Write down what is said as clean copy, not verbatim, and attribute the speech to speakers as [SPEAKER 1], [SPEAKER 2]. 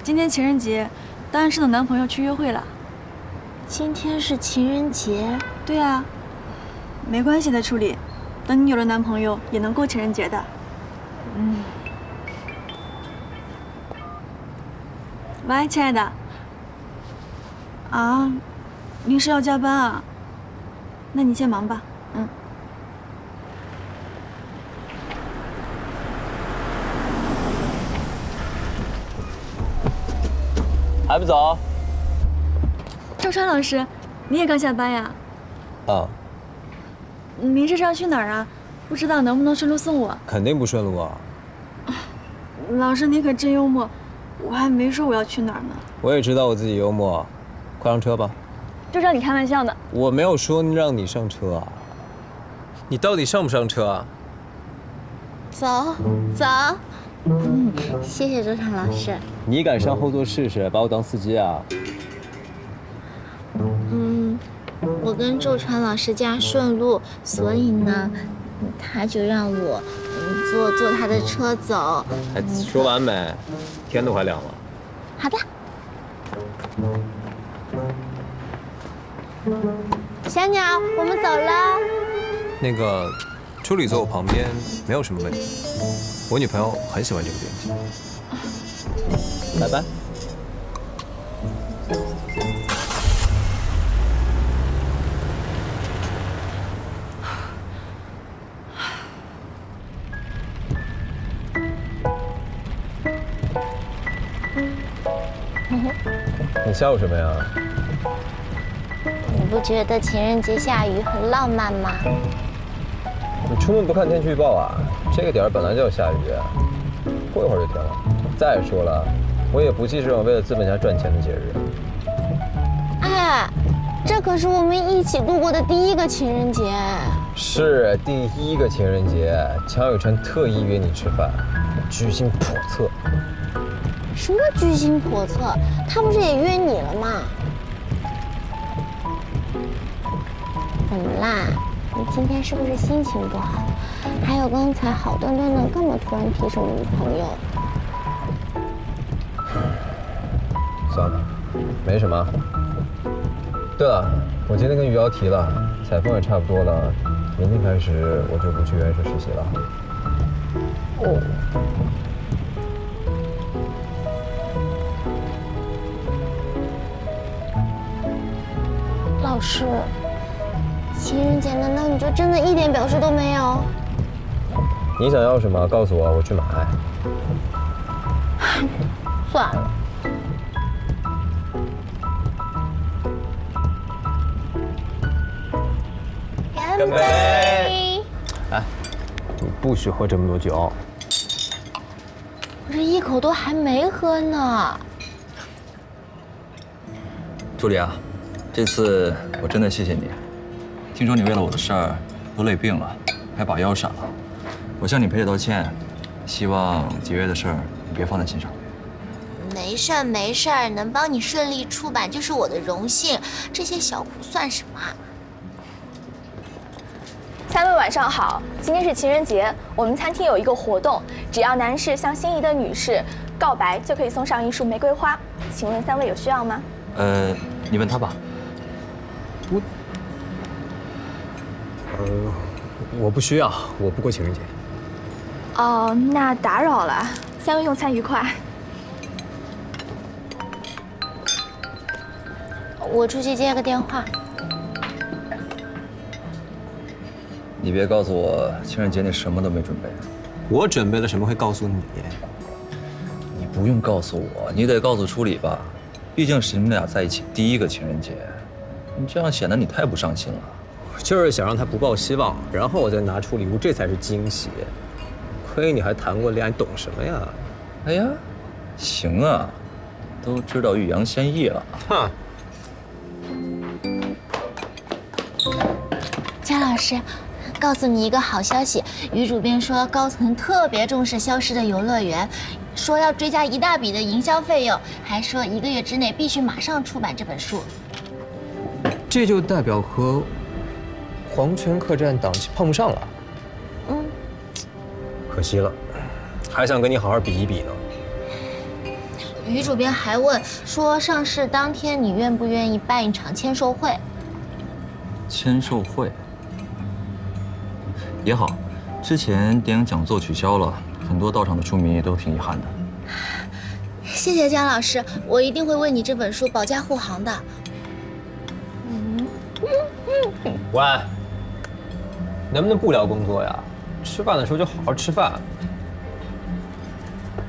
[SPEAKER 1] 今天情人节，单身的男朋友去约会了。
[SPEAKER 2] 今天是情人节？
[SPEAKER 1] 对啊，没关系的，处理。等你有了男朋友，也能过情人节的。喂，亲爱的。啊，临时要加班啊？那你先忙吧。
[SPEAKER 3] 还不走？
[SPEAKER 1] 周川老师，你也刚下班呀？
[SPEAKER 3] 啊，
[SPEAKER 1] 您这是要去哪儿啊？不知道能不能顺路送我？
[SPEAKER 3] 肯定不顺路啊！
[SPEAKER 1] 老师，你可真幽默，我还没说我要去哪儿呢。
[SPEAKER 3] 我也知道我自己幽默，快上车吧。
[SPEAKER 1] 就让你开玩笑的。
[SPEAKER 3] 我没有说让你上车啊，你到底上不上车啊？
[SPEAKER 2] 走。谢谢周川老师。
[SPEAKER 3] 你敢上后座试试，把我当司机啊？
[SPEAKER 2] 我跟周川老师家顺路，所以呢，他就让我坐他的车走。
[SPEAKER 3] 还说完没？天都快亮了。
[SPEAKER 2] 好的。小鸟，我们走了。
[SPEAKER 3] 那个，助理坐我旁边没有什么问题。我女朋友很喜欢这个编辑。拜拜。你笑什么呀？
[SPEAKER 2] 你不觉得情人节下雨很浪漫吗？
[SPEAKER 3] 你出门不看天气预报啊？这个点儿本来就要下雨，过一会儿就停了。再说了，我也不记这种为了资本家赚钱的节日。
[SPEAKER 2] 哎，这可是我们一起度过的第一个情人节。
[SPEAKER 3] 是第一个情人节，江雨晨特意约你吃饭，居心叵测。
[SPEAKER 2] 什么居心叵测？他不是也约你了吗？怎么啦？你今天是不是心情不好？还有刚才好端端的，干嘛突然提什么女朋友？
[SPEAKER 3] 算了，没什么。对了，我今天跟于瑶提了，采风也差不多了，明天开始我就不去原社实习了。
[SPEAKER 2] 哦。老师，情人节难道你就真的一点表示都没有？
[SPEAKER 3] 你想要什么？告诉我，我去买。
[SPEAKER 2] 算了。干杯！
[SPEAKER 3] 哎，你不许喝这么多酒。
[SPEAKER 2] 我这一口都还没喝呢。
[SPEAKER 4] 助理啊，这次我真的谢谢你。听说你为了我的事儿都累病了，还把腰闪了，我向你赔礼道歉。希望节约的事儿你别放在心上。
[SPEAKER 2] 没事儿，能帮你顺利出版就是我的荣幸，这些小苦算什么？
[SPEAKER 5] 三位晚上好，今天是情人节，我们餐厅有一个活动，只要男士向心仪的女士告白，就可以送上一束玫瑰花。请问三位有需要吗？
[SPEAKER 4] 你问他吧。
[SPEAKER 3] 我不需要，我不过情人节。
[SPEAKER 5] 哦，那打扰了，三位用餐愉快。
[SPEAKER 2] 我出去接个电话。
[SPEAKER 4] 你别告诉我情人节你什么都没准备。
[SPEAKER 3] 我准备了什么会告诉你？
[SPEAKER 4] 你不用告诉我，你得告诉初理吧，毕竟是你们俩在一起第一个情人节，你这样显得你太不上心了。
[SPEAKER 3] 就是想让他不抱希望，然后我再拿出礼物，这才是惊喜。亏你还谈过恋爱，懂什么呀？
[SPEAKER 4] 哎呀，行啊，都知道欲扬先抑了。
[SPEAKER 3] 哼。
[SPEAKER 2] 姜老师，告诉你一个好消息，于主编说高层特别重视消失的游乐园，说要追加一大笔的营销费用，还说1个月之内必须马上出版这本书。
[SPEAKER 3] 这就代表和黄泉客栈档期碰不上了。可惜了，还想跟你好好比一比呢。
[SPEAKER 2] 于主编还问说，上市当天你愿不愿意办一场签售会？
[SPEAKER 4] 签售会也好，之前电影讲座取消了，很多到场的书迷都挺遗憾的。
[SPEAKER 2] 谢谢姜老师，我一定会为你这本书保驾护航的。
[SPEAKER 3] 喂，能不能不聊工作呀？吃饭的时候就好好吃饭。